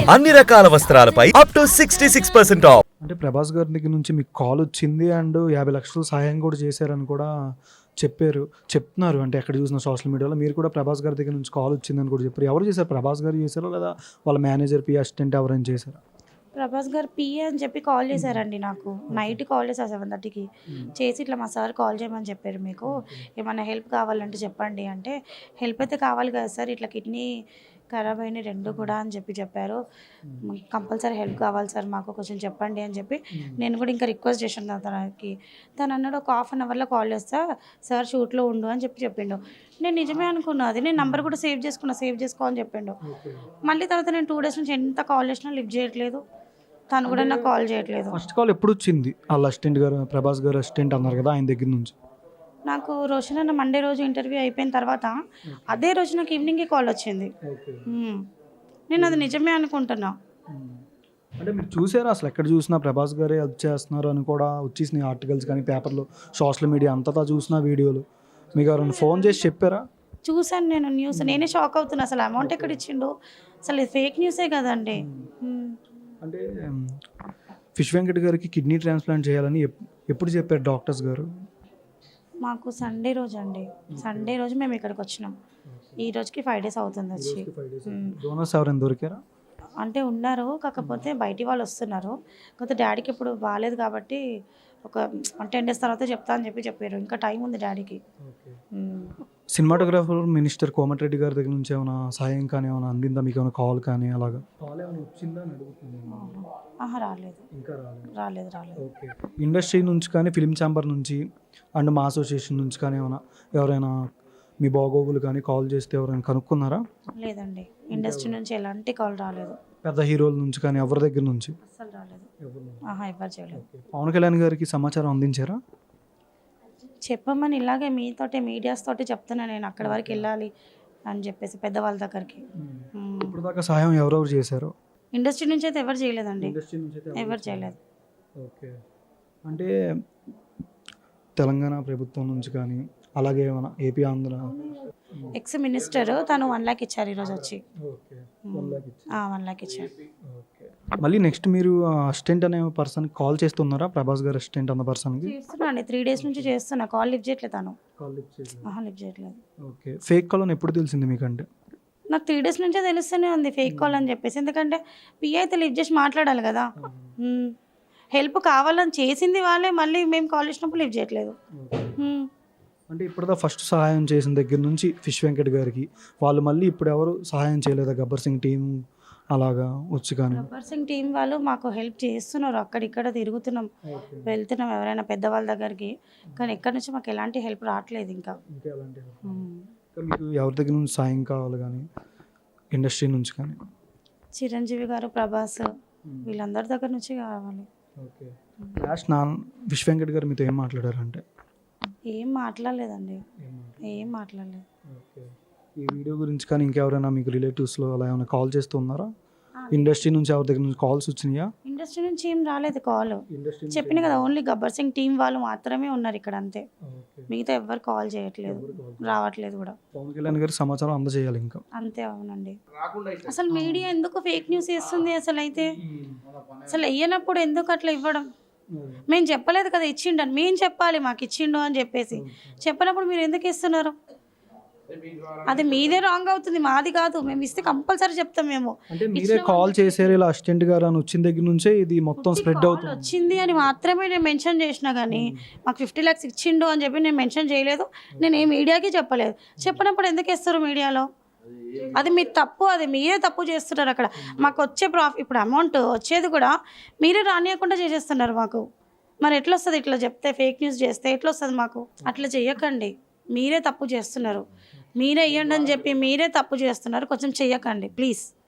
అన్ని రకాల వస్త్రాలపై up to 66% of. అంటే ప్రభాస్ గారి దగ్గర నుంచి మీకు కాల్ వచ్చింది అండ్ 50 లక్షలు సహాయం కూడా చేశారని కూడా చెప్తున్నారు. అంటే ఎక్కడ చూసిన సోషల్ మీడియాలో మీరు కూడా ప్రభాస్ గారి దగ్గర నుంచి కాల్ వచ్చిందని కూడా చెప్పారు. ఎవరు చేశారు? ప్రభాస్ గారు చేశారో లేదా వాళ్ళ మేనేజర్ పి అసిస్టెంట్ ఎవరైనా చేశారా? ప్రభాస్ గారు పిఏ అని చెప్పి కాల్ చేశారండి నాకు. నైట్ కాల్ చేశారు 7:30కి. చేసి ఇట్లా మా సార్ కాల్ చేయమని చెప్పారు, మీకు ఏమైనా హెల్ప్ కావాలంటే చెప్పండి అంటే, హెల్ప్ అయితే కావాలి కదా సార్, ఇట్లా కిడ్నీ ఖరాబ్ అయినాయి 2 కూడా అని చెప్పారు. కంపల్సరీ హెల్ప్ కావాలి సార్, మాకు కొంచెం చెప్పండి అని చెప్పి నేను కూడా ఇంకా రిక్వెస్ట్ చేశాను తనకి. తను అన్నాడు ఒక 1/2 అవర్లో కాల్ చేస్తా సార్, షూట్లో ఉండు అని చెప్పిండు. నేను నిజమే అనుకున్నా, అది నేను నంబర్ కూడా సేవ్ చేసుకో అని చెప్పిండు. మళ్ళీ తర్వాత నేను 2 డేస్ నుంచి ఎంత కాల్ చేసినా లిఫ్ట్ చేయట్లేదు, తను కూడా నాకు కాల్ చేయట్లేదు. ఫస్ట్ కాల్ ఎప్పుడు వచ్చింది? వాళ్ళ అసిస్టెంట్ గారు, ప్రభాస్ గారు అసిస్టెంట్ అన్నారు కదా, ఆయన దగ్గర నుంచి. నాకు రోషన్ అన్న మండే రోజు ఇంటర్వ్యూ అయిపోయిన తర్వాత అదే రోజు నాకు ఈవినింగే కాల్ వచ్చింది. నేను అది నిజమే అనుకుంటున్నా. అంటే మీరు చూసారా అసలు ఎక్కడ చూసినా ప్రభాస్ గారే హెల్ప్ చేస్తున్నారు అని కూడా వచ్చేసినాయి ఆర్టికల్స్ కానీ పేపర్లో, సోషల్ మీడియా అంతటా చూసిన వీడియోలు. మీకు ఎవరైనా ఫోన్ చేసి చెప్పారా? చూశాను నేను న్యూస్, నేనే షాక్ అవుతున్నా. అసలు అమౌంట్ ఎక్కడ ఇచ్చిండు, అసలు ఇది ఫేక్ న్యూసే కదండి. అంటే ఫిష్ వెంకట్ గారికి కిడ్నీ ట్రాన్స్ప్లాంట్ చేయాలని ఎప్పుడు చెప్పారు డాక్టర్స్ గారు? మాకు సండే రోజు అండి, సండే రోజు మేము ఇక్కడికి వచ్చినాం. ఈ రోజుకి 5 డేస్ అవుతుంది వచ్చి. డోనర్స్ ఎవరైనా దొరికారా? అంటే ఉన్నారు, కాకపోతే బయటి వాళ్ళు వస్తున్నారు. కాకపోతే డాడీకి ఇప్పుడు బాగాలేదు కాబట్టి ఒక 10 డేస్ తర్వాత చెప్తా అని చెప్పారు. ఇంకా టైం ఉంది డాడీకి. సినిమాటోగ్రాఫర్ మినిస్టర్ కోమటిరెడ్డి గారి దగ్గర నుంచి ఏమైనా సాయం కానీ ఏమైనా అందిందా మీకు? ఏమైనా కాల్ కానీ అలాగా కాల్ ఏమైనా వచ్చిందా అని అడుగుతున్నాను. రాలేదు, ఇంకా రాలేదు. ఓకే. ఇండస్ట్రీ నుంచి కానీ, ఫిలిం ఛాంబర్ నుంచి అండ్ మా అసోసియేషన్ నుంచి కానీ ఎవరైనా మీ బాగోగులు కానీ కాల్ చేస్తే ఎవరైనా కనుక్కున్నారా? లేదండి, ఇండస్ట్రీ నుంచి ఎలాంటి కాల్ రాలేదు. పెద్ద హీరోల నుంచి కానీ ఎవరి దగ్గర నుంచి అసలు రాలేదు, ఎవరు చేయలేదు. పవన్ కళ్యాణ్ గారికి సమాచారం అందించారా? చెప్పమని ఇలాగే మీడియాస్ తోటి చెప్తున్నా, నేను అక్కడి వరకు వెళ్ళాలి అని చెప్పేసి పెద్దవాళ్ళ దగ్గరికి. ఇప్పుడు దాకా సహాయం ఎవరెవరు చేశారు? ఇండస్ట్రీ నుంచి అయితే ఎవరు చేయలేదండి, ఎవరు చేయలేదు. ఓకే. అంటే తెలంగాణ ప్రభుత్వం నుంచి కానీ అలాగే ఏమైనా ఏపీ ఆంధ్ర ఎక్స్ మినిస్టర్ తను 1 lakh ఇచ్చారు ఈరోజు వచ్చి. 1 lakh ఇచ్చారు. మళ్ళీ నెక్స్ట్ మీరు అసిస్టెంట్ అనే పర్సన్ కాల్ చేస్తున్నారా? ప్రభాస్ గారు అసిస్టెంట్ అన్న పర్సన్కి చేస్తున్నాండి, 3 డేస్ నుంచి చేస్తున్నా. కాల్ లిఫ్ట్ చేయట్లేదు తను. లిఫ్ట్ చేయట్లేదు. ఓకే. ఫేక్ కాల్ అని ఎప్పుడు తెలిసింది మీకంటే? నాకు 3 డేస్ నుంచే తెలుస్తూనే ఉంది ఫేక్ కాల్ అని చెప్పేసి. ఎందుకంటే పిఏ అయితే లిఫ్ట్ చేసి మాట్లాడాలి కదా. హెల్ప్ కావాలని చేసింది వాళ్ళే, మళ్ళీ మేము కాల్ చేసినప్పుడు లిఫ్ట్ చేయట్లేదు. అంటే ఇప్పుడు ఫస్ట్ సహాయం చేసిన దగ్గర నుంచి ఫిష్ వెంకట్ గారికి వాళ్ళు మళ్ళీ ఇప్పుడు ఎవరు సహాయం చేయలేదా? గబ్బర్ సింగ్ టీం అలాగా వచ్చి కానీ గబ్బర్ సింగ్ టీం వాళ్ళు మాకు హెల్ప్ చేస్తున్నారు. అక్కడిక్కడ తిరుగుతున్నాం, వెళ్తున్నాం ఎవరైనా పెద్దవాళ్ళ దగ్గరికి, కానీ ఎక్కడి నుంచి మాకు ఎలాంటి హెల్ప్ రావట్లేదు. ఇంకా మీకు ఎవరి దగ్గర నుంచి సాయం కావాలి కానీ ఇండస్ట్రీ నుంచి కానీ? చిరంజీవి గారు, ప్రభాస్ వీళ్ళందరి దగ్గర నుంచి కావాలి. ఓకే. లాస్ట్ ఫిష్ వెంకట్ గారు మీతో ఏం మాట్లాడారంటే? ఏం మాట్లాడలేదండి, ఏం మాట్లాడలేదు. ఓకే. ఈ వీడియో గురించి కానీ ఇంకెవరైనా మీకు రిలేటివ్స్లో అలా ఏమైనా కాల్ చేస్తున్నారా? ఇండస్ట్రీ నుంచి ఎవరి దగ్గర నుంచి కాల్స్ వచ్చినాయా? ఇండస్ట్రీ నుంచి ఏం రాలేదు కాల్. చెప్పిన కదా, ఓన్లీ గబ్బర్ సింగ్ టీం వాళ్ళు మాత్రమే ఉన్నారు ఇక్కడ, అంతే. మిగతా ఎవరు కాల్ చేయట్లేదు, రావట్లేదు కూడా. పవన్ కళ్యాణ్ గారికి సమాచారం అందజేయాలి ఇంకా, అంతే. అవునండి. అసలు మీడియా ఎందుకు ఫేక్ న్యూస్ వేస్తుంది? అసలు వెయ్యనప్పుడు ఎందుకు అట్లా ఇవ్వడం? మేము చెప్పలేదు కదా ఇచ్చిండని, మేము చెప్పాలి మాకు ఇచ్చిండు అని చెప్పేసి. చెప్పినప్పుడు మీరు ఎందుకు ఇస్తున్నారు? అది మీదే రాంగ్ అవుతుంది, మాది కాదు. మేము ఇస్తే కంపల్సరీ చెప్తాం. మేము అంటే మీరే కాల్ చేశారు ఇలా అసిస్టెంట్ గారు అని వచ్చిన దగ్గర నుంచే ఇది మొత్తం స్ప్రెడ్ అవుతుంది. వచ్చింది అని మాత్రమే నేను మెన్షన్ చేసినా, కానీ మాకు 50 lakhs ఇచ్చిండు అని చెప్పి నేను మెన్షన్ చేయలేదు. నేను ఏ మీడియాకి చెప్పలేదు. చెప్పినప్పుడు ఎందుకు ఇస్తారు మీడియాలో? అది మీ తప్పు, అది మీరే తప్పు చేస్తున్నారు. అక్కడ మాకు వచ్చే ఇప్పుడు అమౌంట్ వచ్చేది కూడా మీరే రానియకుండా చేసేస్తున్నారు మాకు. మరి ఎట్లా వస్తుంది? ఇట్లా చెప్తే, ఫేక్ న్యూస్ చేస్తే ఎట్లా వస్తుంది మాకు? అట్లా చెయ్యకండి, మీరే తప్పు చేస్తున్నారు. మీరే ఇవ్వండి అని చెప్పి మీరే తప్పు చేస్తున్నారు. కొంచెం చెయ్యకండి ప్లీజ్.